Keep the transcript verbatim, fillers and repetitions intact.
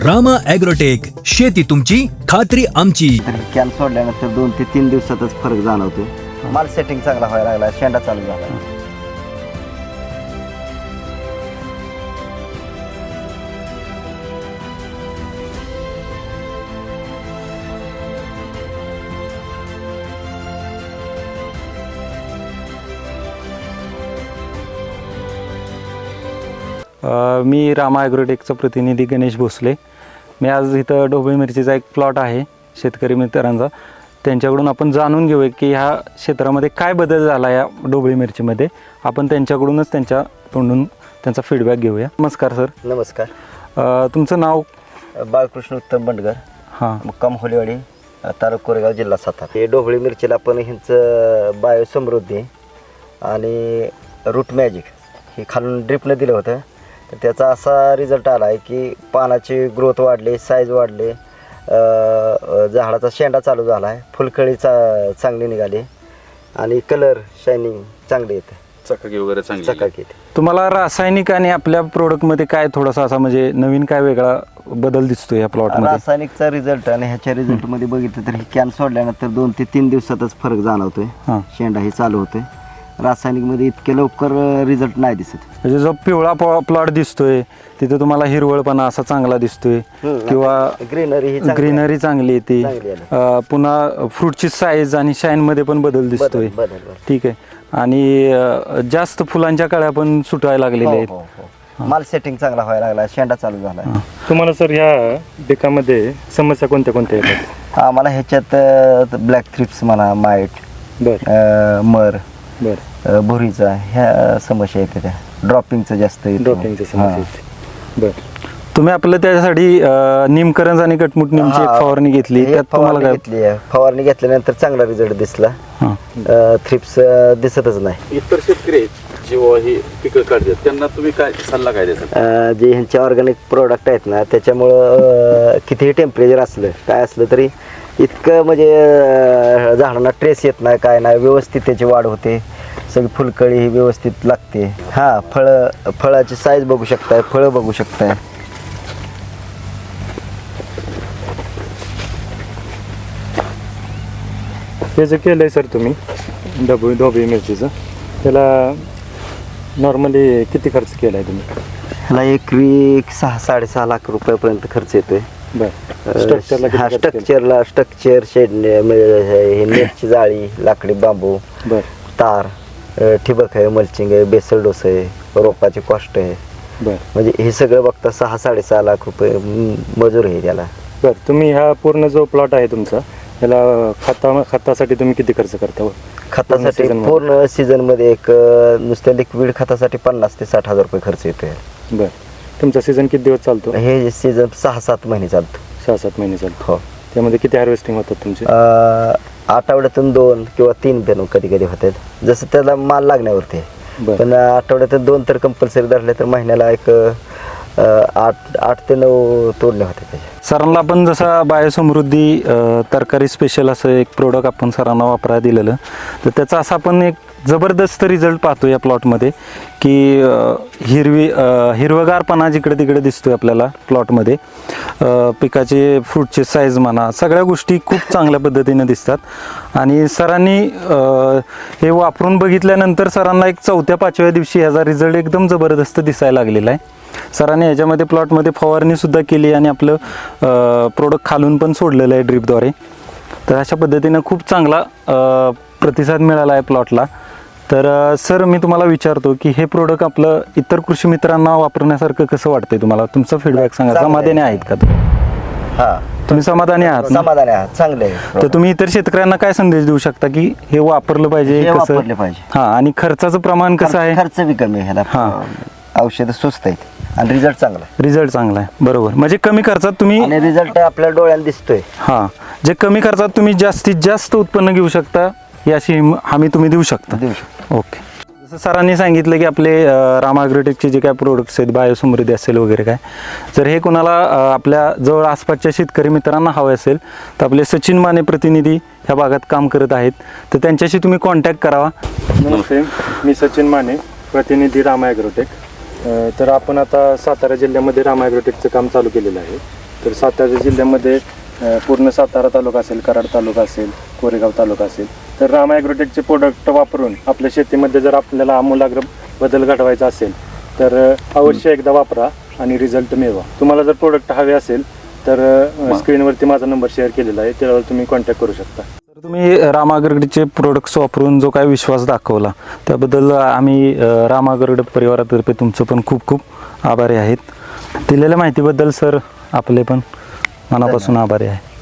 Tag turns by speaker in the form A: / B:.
A: Rama agrotech, शेती तुमची खात्री आमची.
B: तर कॅन सोडल्यानंतर दोन ते तीन दिवसातच फरक जाणवतो. माल सेटिंग चांगला व्हायला लागला, शेंडा चालू झाला.
C: मी रामा ॲग्रोटेकचा प्रतिनिधी गणेश भोसले. मी आज इथं ढोबळी मिरचीचा एक प्लॉट आहे शेतकरी मित्रांचा. त्यांच्याकडून आपण जाणून घेऊया की ह्या क्षेत्रामध्ये काय बदल झाला या ढोबळी मिरचीमध्ये. आपण त्यांच्याकडूनच त्यांच्या तोंडून त्यांचा फीडबॅक घेऊया. नमस्कार सर.
B: नमस्कार.
C: अ, तुमचं नाव?
B: बाळकृष्ण उत्तम बंडगर,
C: हां,
B: मुक्काम होलेवाडी, तालुका कोरेगाव, जिल्हा सातारा. हे ढोबळी मिरचीला आपण ह्यांचं बायो समृद्धी आणि रूट मॅजिक हे खालून ड्रिपनं दिलं होतं. तर त्याचा असा रिझल्ट आला आहे की पानाची ग्रोथ वाढली, साईज वाढले, झाडाचा शेंडा चालू झाला आहे, फुलकळी चा चांगली निघाली आणि कलर शायनिंग चांगली येते,
D: चकाकी वगैरे चांगली
B: चकाकी येते.
C: तुम्हाला रासायनिक आणि आपल्या प्रोडक्टमध्ये काय थोडासा असा म्हणजे नवीन काय वेगळा बदल दिसतो या प्लॉटमध्ये?
B: रासायनिकचा रिझल्ट आणि ह्याच्या रिझल्टमध्ये बघितलं तर हे कॅन सोडल्यानंतर दोन ते तीन दिवसातच फरक जाणवतोय.
C: हां,
B: शेंडा हे चालू होतोय. रासायनिकमध्ये इतके लवकर रिझल्ट नाही दिसत.
C: म्हणजे जो पिवळा प्लॉट दिसतोय तिथे तुम्हाला हिरवळपणा असा चांगला दिसतोय किंवा
B: ग्रीनरी ही चांगली
C: ग्रीनरी चांगली येते.
B: चांगली आली.
C: अ, पुन्हा फ्रूटची साईज आणि शाईनमध्ये पण बदल दिसतोय.
B: बदल- बदल- बदल.
C: ठीक आहे. आणि अ, जास्त फुलांच्या कळ्या पण सुटायला लागलेल्या
B: हो,
C: आहेत.
B: हो, हो. माल सेटिंग चांगला व्हायला लागला, शेंडा चालू झाला.
E: तुम्हाला सर ह्या पिकामध्ये समस्या कोणत्या कोणत्या येतात?
B: आम्हाला ह्याच्यात ब्लॅक थ्रिप्स म्हणा, माईट,
E: बरं
B: मर,
E: बरं
B: अ, भुरीचा ह्या समस्या येते. त्या ड्रॉपिंगचं जास्त येतं.
E: ड्रॉपिंगची समस्या
B: हां.
E: येते. बरं
C: तुम्ही आपलं त्याच्यासाठी अ, निमकरंज आणि कटमुट निमची एक
B: हां.
C: फवारणी घेतली.
B: हे
C: त्यात तुम्हाला
B: फवारणी
C: काय?
B: घेतली आहे. फवारणी घेतल्यानंतर चांगला रिझल्ट दिसला.
C: हां.
B: थ्रिप्स दिसतच नाही.
D: इतर शेतकरी आहेत जेव्हा ही पिकं काढतात त्यांना तुम्ही काय सल्ला काय द्याल?
B: अ, जे ह्यांचे ऑर्गॅनिक प्रोडक्ट आहेत ना त्याच्यामुळं अ, कितीही टेम्परेचर असलं काय असलं तरी इतकं म्हणजे अ, झाडांना ट्रेस येत नाही, काय नाही, व्यवस्थित त्याची वाढ होते. सगळी फुलकळी ही व्यवस्थित लागते. हां, फळं फळाची साईज बघू शकताय, फळं बघू शकताय.
E: हे जे केलं आहे सर तुम्ही ढोबळी ढोबळी मिरचीचं, त्याला नॉर्मली किती खर्च केला आहे तुम्ही?
B: ह्याला एकरी सहा साडेसहा लाख रुपयापर्यंत खर्च येतोय.
E: बरं स्ट्रक्चरला
B: हा,
E: किती खर्च केला?
B: स्ट्रक्चरला स्ट्रक्चर शेड, हे नेटची जाळी, लाकडी बांबू,
E: बरं
B: तार, अ, ठिबक आहे, मल्चिंग आहे, बेसल डोस आहे, रोपाची कॉस्ट आहे.
E: बरं
B: म्हणजे हे सगळं बघता सहा साडेसहा लाख रुपये म- मजूर आहे त्याला.
E: बरं तुम्ही ह्या पूर्ण जो प्लॉट आहे तुमचा त्याला खता खतासाठी तुम्ही किती खर्च करता?
B: खतासाठी
E: season मध्ये?
B: पूर्ण सीझन मध्ये एक अ, नुसत्या लिक्विड खतासाठी पन्नास ते साठ हजार रुपये खर्च येतोय.
E: बरं तुमचा सीझन किती दिवस चालतो?
B: हे सीझन सहा सात महिने चालतो.
E: सहा सात महिने चालतो.
B: हो.
E: त्यामध्ये किती हार्वेस्टिंग होतात तुमचे?
B: अ, आठवड्यातून दोन किंवा तीन पेन कधी कधी होतात, जसं त्याला माल लागण्यावरती आहे.
E: बरं
B: पण आठवड्यातून दोन तर कंपल्सरी धरले तर महिन्याला एक अ, आठ आठ ते नऊ तोडणे होते त्याचे.
C: सरांना आपण जसा बायोसमृद्धी अ, तरकारी स्पेशल असं एक प्रोडक्ट आपण सरांना वापरायला दिलेलं, तर त्याचा असा आपण एक जबरदस्त रिझल्ट पाहतो या प्लॉटमध्ये की अ, हिरवी अ, हिरवगारपणा जिकडे तिकडे दिसतोय आपल्याला प्लॉटमध्ये. अ, पिकाचे फ्रूटचे साईज म्हणा सगळ्या गोष्टी खूप चांगल्या पद्धतीने दिसतात. आणि सरांनी अ, हे वापरून बघितल्यानंतर सरांना एक चौथ्या पाचव्या दिवशी ह्याचा रिझल्ट एकदम जबरदस्त दिसायला लागलेला आहे. सरांनी ह्याच्यामध्ये प्लॉटमध्ये फवारणीसुद्धा केली आणि आपलं प्रोडक्ट खालून पण सोडलेलं आहे ड्रिपद्वारे. तर अशा पद्धतीनं खूप चांगला अ, प्रतिसाद मिळाला आहे प्लॉटला. तर अ, सर मी तुम्हाला विचारतो की हे प्रोडक्ट आपलं इतर कृषी मित्रांना वापरण्यासारखं कसं वाटतंय तुम्हाला? तुमचा फीडबॅक सांगा.
B: चांगलं आहे.
C: समाधानी आहेत का तुम्ही?
B: हा,
C: तुम्ही समाधानी आहात ना?
B: समाधानी आहात, चांगले आहे.
C: तर तुम्ही इतर शेतकऱ्यांना काय संदेश देऊ शकता की हे वापरलं पाहिजे
B: हे
C: कसं?
B: वापरले पाहिजे.
C: हां, आणि खर्चाचं प्रमाण कसं आहे?
B: खर्च बी कमी आहे ह्याला.
C: हां.
B: औषधं स्वस्त आहेत आणि रिझल्ट चांगला आहे.
C: रिझल्ट चांगला आहे. बरोबर. म्हणजे कमी खर्चात तुम्ही
B: आणि रिझल्ट आपल्या डोळ्याला दिसतोय.
C: हां, जे कमी खर्चात तुम्ही जास्तीत जास्त उत्पन्न घेऊ शकता याची हिम- हमी तुम्ही देऊ शकता.
B: देऊ शकतो.
C: ओके. जसं सरांनी सांगितलं की आपले अ, रामा ॲग्रोटेकचे जे काय प्रोडक्ट्स आहेत बायोसमृद्धी असेल वगैरे काय, जर हे कोणाला अ, आपल्या जवळ आसपासच्या शेतकरी मित्रांना हवे असेल तर आपले सचिन माने प्रतिनिधी ह्या भागात काम करत आहेत, तर त्यांच्याशी तुम्ही कॉन्टॅक्ट करावा.
E: नमस्ते, मी सचिन माने, प्रतिनिधी रामा ॲग्रोटेक. अ, तर आपण आता सातारा जिल्ह्यामध्ये रामा ॲग्रोटेकचं काम चालू केलेलं आहे. तर सातारा जिल्ह्यामध्ये अ, पूर्ण सातारा तालुका असेल, कराड तालुका असेल, कोरेगाव तालुका असेल, तर राम ॲग्रोटेकचे प्रोडक्ट वापरून आपल्या शेतीमध्ये जर आपल्याला आमूलाग्र बदल घडवायचा असेल तर अ, अवश्य एकदा वापरा आणि रिझल्ट मिळवा. तुम्हाला जर प्रोडक्ट हवे असेल तर अ, स्क्रीनवरती माझा नंबर शेअर केलेला आहे, त्यावर तुम्ही कॉन्टॅक्ट करू शकता.
C: तर तुम्ही राम ॲग्रोटेकचे प्रोडक्ट्स वापरून जो काय विश्वास दाखवला त्याबद्दल आम्ही अ, राम ॲग्रोटेक परिवारातर्फे तुमचं पण खूप खूप आभारी आहेत. दिलेल्या माहितीबद्दल सर आपले पण मनापासून आभारी आहे.